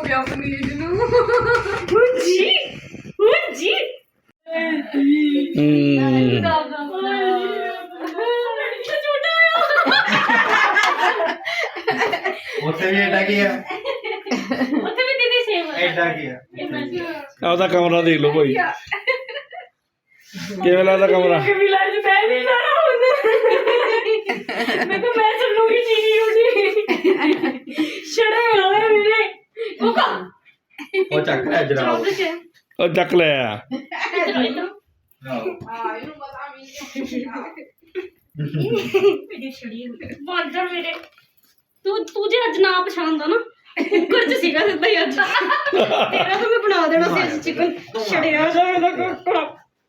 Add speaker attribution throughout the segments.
Speaker 1: ਗਿਆ ਆਪਣੀ ਲੀਡ ਨੂੰ
Speaker 2: ਜੀ
Speaker 3: ਉੱਥੇ ਵੀ ਐਡਾ ਕੀ ਆ
Speaker 2: ਉੱਥੇ ਵੀ ਦੀਦੀ ਸੇਮ
Speaker 3: ਐਡਾ ਕੀ ਆ
Speaker 4: ਆਪਦਾ ਕਮਰਾ ਦੇਖ ਲਓ ਭਾਈ ਕਿਵੇਂ ਲੱਗਦਾ ਕਮਰਾ
Speaker 2: ਕभी लाइफ मैं नहीं जाना मैं तो मैं चलूंगी चीनी उठी छड़े होए मेरे वो का
Speaker 3: ਉਹ ਚੱਕ ਲੈ ਜਰਾਬ
Speaker 4: ਉਹ ਚੱਕ ਲੈ ਆ
Speaker 2: ਬਾਂਦਰ ਮੇਰੇ ਤੂੰ ਜੇ ਅੱਜ ਨਾ ਪਛਾਣਦਾ ਨਾ ਕੁੱਕਰ ਚ ਸੀਗਾ ਸਿੱਧਾ ਹੀ ਅੱਜ ਤੇਰਾ ਤਾਂ ਮੈਂ ਬਣਾ ਦੇਣਾ ਸੀ ਅੱਜ ਚਿਕਨ ਛੜਿਆ ਜਾਏਗਾ ਕੁੱਕੜ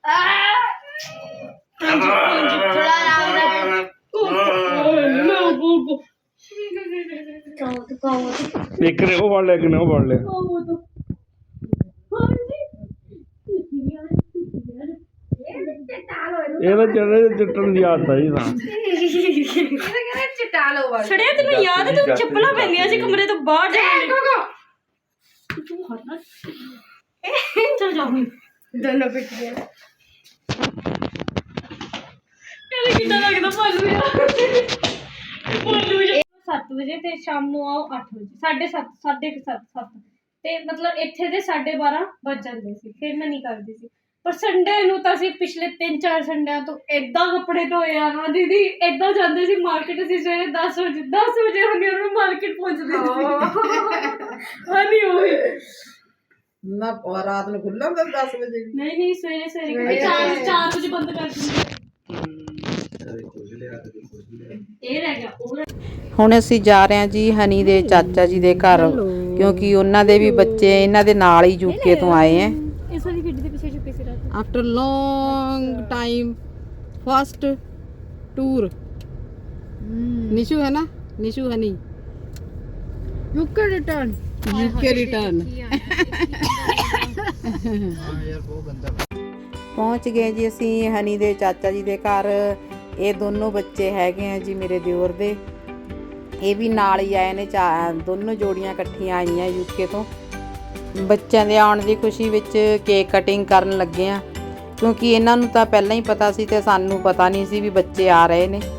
Speaker 4: ਇੱਕ ਨੇ ਉਹ ਫੜ ਲਿਆ ਕਿ ਨਾ ਉਹ ਫੜ ਲਿਆ ਇਹਦਾ ਚੜੇ ਚਿੱਟਣ ਦੀ ਆਦਤ ਹੈ ਜੀ ਤਾਂ
Speaker 2: ਛੜਿਆ ਤੈਨੂੰ ਯਾਦ ਹੈ ਤੂੰ ਚੱਪਲਾਂ ਪੈਂਦੀਆਂ ਸੀ ਕਮਰੇ ਤੋਂ ਬਾਹਰ ਜਾਣ ਚਲ ਜਾ ਹੁਣ
Speaker 1: ਦੋਨੋਂ ਪਿੱਟੀਆਂ
Speaker 2: ਕਹਿੰਦੇ ਕਿੱਦਾਂ ਲੱਗਦਾ ਭਾਲੂ ਯਾਰ 7 ਵਜੇ ਤੇ ਸ਼ਾਮ ਨੂੰ ਆਓ 8 ਵਜੇ 7:30 7:30 ਤੇ ਮਤਲਬ ਇੱਥੇ ਦੇ 12:30 ਵੱਜ ਜਾਂਦੇ ਸੀ ਫਿਰ ਮੈਂ ਨਹੀਂ ਕਰਦੀ ਸੀ ਪਰ ਸੰਡੇ ਨੂੰ ਤਾਂ ਅਸੀਂ ਪਿਛਲੇ 3-4 ਸੰਡਿਆਂ ਤੋਂ ਏਦਾਂ ਕੱਪੜੇ ਧੋਏ ਆ ਨਾ ਦੀਦੀ ਏਦਾਂ ਜਾਂਦੇ ਸੀ ਮਾਰਕੀਟ ਅਸੀਂ ਸਵੇਰੇ 10 ਵਜੇ ਹੁੰਦੇ ਉਹਨੂੰ ਮਾਰਕੀਟ ਪਹੁੰਚਦੇ ਸੀ ਹਾਂਜੀ ਉਹੀ
Speaker 5: ਨਾ ਰਾਤ ਨੂੰ ਖੁੱਲ੍ਹਾ ਹੁੰਦਾ 10 ਵਜੇ
Speaker 2: ਨਹੀਂ ਸਵੇਰੇ 4 ਵਜੇ ਬੰਦ ਕਰ ਦਿੰਦੇ ਇਹ ਰਹਿ ਗਿਆ ਉਹ
Speaker 5: ਹੁਣ ਅਸੀਂ ਜਾ ਰਹੇ ਹਾਂ ਜੀ ਹਨੀ ਦੇ ਚਾਚਾ ਜੀ ਦੇ ਘਰ ਕਿਉਂਕਿ ਉਹਨਾਂ ਦੇ ਵੀ ਬੱਚੇ ਇਹਨਾਂ ਦੇ ਨਾਲ ਹੀ ਯੂਕੇ ਤੋਂ ਆਏ ਹੈ
Speaker 2: ਇਸ ਵਾਲੀ ਗੱਡੀ ਦੇ ਪਿੱਛੇ ਛੁਪੇ ਸੀ ਰਾਤ
Speaker 5: after long time first tour Nishu है ना निशु हनी
Speaker 1: यूके रिटर्न
Speaker 5: ਪਹੁੰਚ ਗਏ ਜੀ ਅਸੀਂ ਹਨੀ ਦੇ ਚਾਚਾ ਜੀ ਦੇ ਘਰ ਇਹ ਦੋਨੋਂ ਬੱਚੇ ਹੈਗੇ ਆ ਜੀ ਮੇਰੇ ਦਿਓਰ ਦੇ ਇਹ ਵੀ ਨਾਲ ਹੀ ਆਏ ਨੇ ਦੋਨੋਂ ਜੋੜੀਆਂ ਇਕੱਠੀਆਂ ਆਈਆਂ ਯੂਕੇ ਤੋਂ ਬੱਚਿਆਂ ਦੇ ਆਉਣ ਦੀ ਖੁਸ਼ੀ ਵਿੱਚ ਕੇਕ ਕਟਿੰਗ ਕਰਨ ਲੱਗੇ ਆ ਕਿਉਂਕਿ ਇਹਨਾਂ ਨੂੰ ਤਾਂ ਪਹਿਲਾਂ ਹੀ ਪਤਾ ਸੀ ਤੇ ਸਾਨੂੰ ਪਤਾ ਨਹੀਂ ਸੀ ਵੀ ਬੱਚੇ ਆ ਰਹੇ ਨੇ